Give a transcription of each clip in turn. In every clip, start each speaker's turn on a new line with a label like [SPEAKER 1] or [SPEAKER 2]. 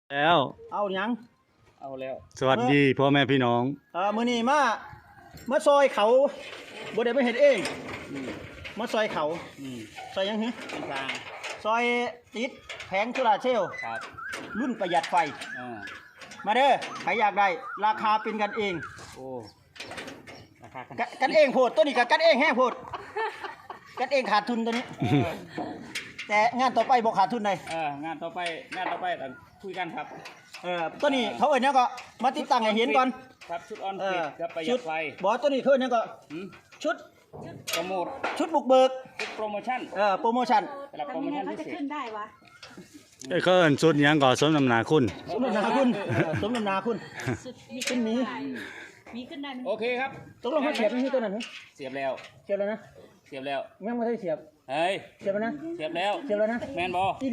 [SPEAKER 1] แล้ว
[SPEAKER 2] เอายัง
[SPEAKER 3] เอาแล้ว
[SPEAKER 1] สวัสดีพ่อแม่พี่น้อง
[SPEAKER 2] มื้อนี้มาซอยเขาบ่ได้ไปเฮ็ดเองมาซอยเขาซอยยังหือ
[SPEAKER 3] เป็นทาง
[SPEAKER 2] ซอยติดแผงโซลาร์เซลล์
[SPEAKER 3] ครับ
[SPEAKER 2] รุ่นประหยัดไฟมาเด้อใครอยากได้ราคาเป็นกันเอง
[SPEAKER 3] โอ้ราคา
[SPEAKER 2] กันเองโพดตัวนี้ก็กันเองแห้งโพดกันเองขาดทุนตัวนี้แต่งานต่อไปบ่ขาดทุนเลย
[SPEAKER 3] งานต่อไปต้องคุยกันครับ
[SPEAKER 2] ตัวนี้เขาเอิ้นหยังก็มาติดตั้งให้เห็นก่อน
[SPEAKER 3] ครับชุดออนฟิตกับประหยัดไฟ
[SPEAKER 2] บ่ตัวนี้เขาเอิ้นหยังก็ชุด
[SPEAKER 3] โปรโมท
[SPEAKER 2] ชุดบุกเบิก
[SPEAKER 3] ชุดโปรโมชั่น
[SPEAKER 2] โปรโมชั่น
[SPEAKER 3] สำหรับโปรโมชั่นพิเศษ
[SPEAKER 4] ขึ้นได้วะ
[SPEAKER 1] เขาเอิ้นสุดหยังก่อสมน้ำหนาคุณ
[SPEAKER 2] สมน้ำหนาคุณสมน้ำหนาคุณขึ้นนี้
[SPEAKER 4] มีขึ้นได้
[SPEAKER 3] โอเคครับ
[SPEAKER 2] ตกลงเขาเสียบที่ตัวนั้น
[SPEAKER 3] เสียบแล้ว
[SPEAKER 2] เสียบแล้วนะ
[SPEAKER 3] เสียบแล้ว
[SPEAKER 2] ยังไม่ได้เสียบ
[SPEAKER 3] เฮ้ย
[SPEAKER 2] เสียบแล้วนะ
[SPEAKER 3] เสียบแล้ว
[SPEAKER 2] เสียบแล้วนะ
[SPEAKER 3] แมนบอ
[SPEAKER 2] ที่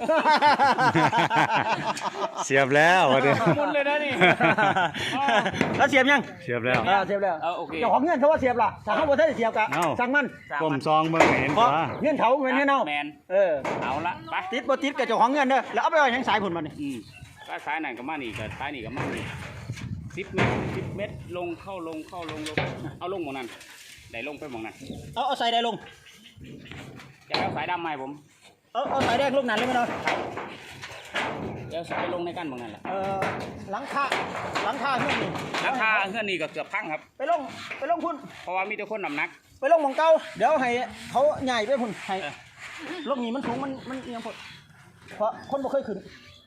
[SPEAKER 1] เสียบแล้วเดี๋ยว
[SPEAKER 3] มุนเลยนะนี่
[SPEAKER 2] แล้วเสียบยัง
[SPEAKER 1] เสียบแล้ว
[SPEAKER 2] เสียบแล้ว
[SPEAKER 3] โอเค
[SPEAKER 2] เจ้าของเงินเขาว่าเสียบล่ะถ้าเขาบ่ได้เสียบกะสั่งมัน
[SPEAKER 1] กลมซองเบิ่งเห็นว่า
[SPEAKER 2] เงินเขาเงินเนา
[SPEAKER 3] แมนเอาละไป
[SPEAKER 2] ติดบ่ติดกับเจ้าของเงินเด้อแล้วเอาไปไว้ยังสายผลมานี่
[SPEAKER 3] ก็สายนั่นก็มานี่ก็สายนี่ก็มานี่10 เมตรลงเข้าลงเอาลงหมองนั้นได้ลงไปหมองนั้น
[SPEAKER 2] เอาสายใดลง
[SPEAKER 3] จะเอาสายดำมาให้ผม
[SPEAKER 2] เอาสายแดงลงนั้นเลยมั้ยเนาะ
[SPEAKER 3] เดี๋ยวสายลงในกันหมองนั้นแหละ
[SPEAKER 2] หลังคาเฮือนนี่
[SPEAKER 3] หลังคาเฮือนนี่ก็เกือบพังครับ
[SPEAKER 2] ไปลงพุ่น
[SPEAKER 3] เพราะว่ามีแต่คนน้ำหนัก
[SPEAKER 2] ไปลงหม่องเก่าเดี๋ยวให้เขาใหญ่ไปพุ่นให้ลงนี่มันสูงมันเอียงพุ่นเพราะคนบ่เคยขึ้น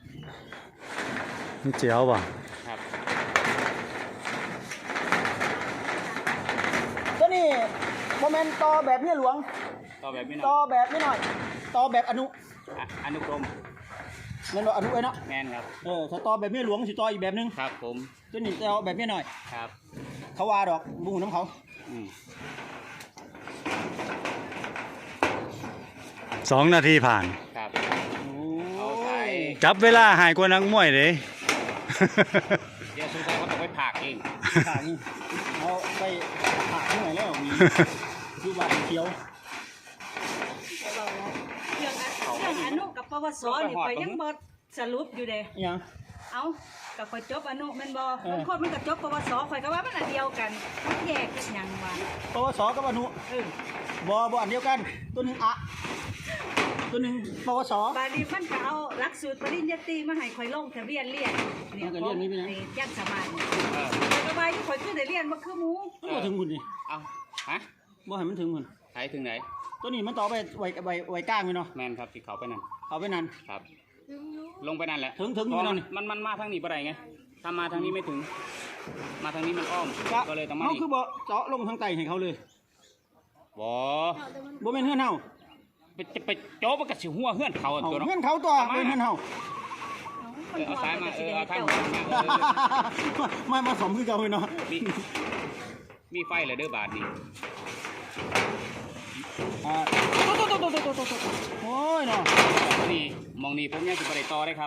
[SPEAKER 1] นี่เจียวป่ะ
[SPEAKER 3] ครับ
[SPEAKER 2] ตัวนี้โมเมนต์ต่อแบบเมียหลวง
[SPEAKER 3] ต่อแบบนี้หน่อย
[SPEAKER 2] ต่อแบบนี้หน่อยต่อแบบอนุ
[SPEAKER 3] กรม
[SPEAKER 2] เงินว่าอนุไว้เนาะ
[SPEAKER 3] แมนครับ
[SPEAKER 2] ถ้าต่อแบบเมียหลวงสิต่ออีกแบบนึง
[SPEAKER 3] ครับผม
[SPEAKER 2] ตัวนี้ต่อแบบเมียหน่อย
[SPEAKER 3] ครับ
[SPEAKER 2] เขาว่าดอกบุ้งน้ำเขา
[SPEAKER 1] 2 นาทีผ่าน
[SPEAKER 3] ครับ
[SPEAKER 2] เอาไป
[SPEAKER 1] จับเวลาหายกว่านักมวยเลย
[SPEAKER 3] เดี๋ยวสงสัยเขาต้องไปผักเอง
[SPEAKER 2] ผักนี่เอาไปผักที่ไหนแล้วมีคือว่าเขียว
[SPEAKER 4] เรื่องอนุกับปวสนี่ข่อยยังบ่สรุปอยู่เด้
[SPEAKER 2] ยัง
[SPEAKER 4] เอากับข่อยจบอนุแม่นบ่บางคนมันก็จบปวสข่อยก็ว่ามันอันเดียวกันมันแยกกันหยังวะ
[SPEAKER 2] ปวสกับอนุบ่อันเดียวกันตัวนึงตัวนึงปวส
[SPEAKER 4] บาดนี้มันก็เอาหลักสูตรปริญญาตรีมาให้ข่อยลงทะเบียนเรียน
[SPEAKER 2] นี่ก็เรียนนี่เป็นยัง
[SPEAKER 4] ยังสบายก็ว่าข่อยคือได้เรียนบ่คือหมู่
[SPEAKER 2] บ่ถึงหุ่นนี่
[SPEAKER 3] เอาฮะ
[SPEAKER 2] บ่ให้มันถึงหุ่น
[SPEAKER 3] ไปถึงไหน
[SPEAKER 2] ตัวนี้มันต่อไปไว้ก้างเลยเนาะ
[SPEAKER 3] แมนครับที่เขาไปนั่นครับลงไปนั่นแหละ
[SPEAKER 2] ถึงอยู่นั่น
[SPEAKER 3] มันมาทางนี้บ่ได้ไงถ้ามาทางนี้ไม่ถึงมาทางนี้มันอ้อมก็เลยต้องมา
[SPEAKER 2] เขาคือบ่เจาะลงทางใต้ให้เขาเลย
[SPEAKER 3] บ่
[SPEAKER 2] แม่นเฮือนเฮา
[SPEAKER 3] ไปโจ๊บกับสิหัวเฮือนเขาตัวเนาะ
[SPEAKER 2] เฮือนเขาตัวเป็นเฮือนเฮา
[SPEAKER 3] เอาสายมาเอาทาง
[SPEAKER 2] มาสมคือเก่าเลยเนาะ
[SPEAKER 3] มีไฟเลยเด้อบาทนี่
[SPEAKER 2] โอ้ยเนาะ
[SPEAKER 3] นี่มองนี่ผมยังสิบ่ได้ต่อได้ครับ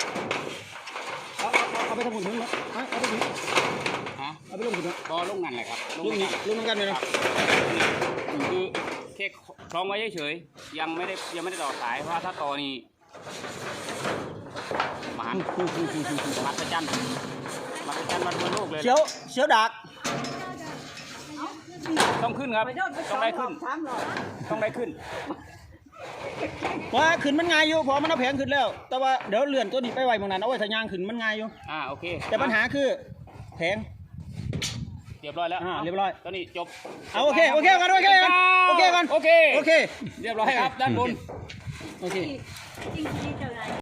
[SPEAKER 2] เอาไปทำหุ่นเนาะเอาไปถึงเอาไปลงหุ่นเนาะ
[SPEAKER 3] ต่อลงนั่นแหละครับ
[SPEAKER 2] ลงนั่นกันเลยเนาะ
[SPEAKER 3] คือแค่คล้องไว้เฉยๆยังไม่ได้ต่อสายเพราะถ้าต่อนี่มหัศจรรย์วันโลกเลย
[SPEAKER 2] เสียวดัก
[SPEAKER 3] ต้องขึ้นครับต้องได้ขึ้น
[SPEAKER 2] ว่าขึ้นมันง่ายอยู่พอมันเอาแผงขึ้นแล้วแต่ว่าเดี๋ยวเลื่อนตัวนี้ไปไว้ตรงนั้นเอาไว้ทะยางขึ้นมันง่ายอยู่
[SPEAKER 3] โอเค
[SPEAKER 2] แต่ปัญหาคือแผง
[SPEAKER 3] เรียบร้อยแล้ว
[SPEAKER 2] เรียบร้อย
[SPEAKER 3] ตอนนี้จบ
[SPEAKER 2] โอเคกันเรียบร้อยครับ
[SPEAKER 3] ด้านบน
[SPEAKER 2] โอเค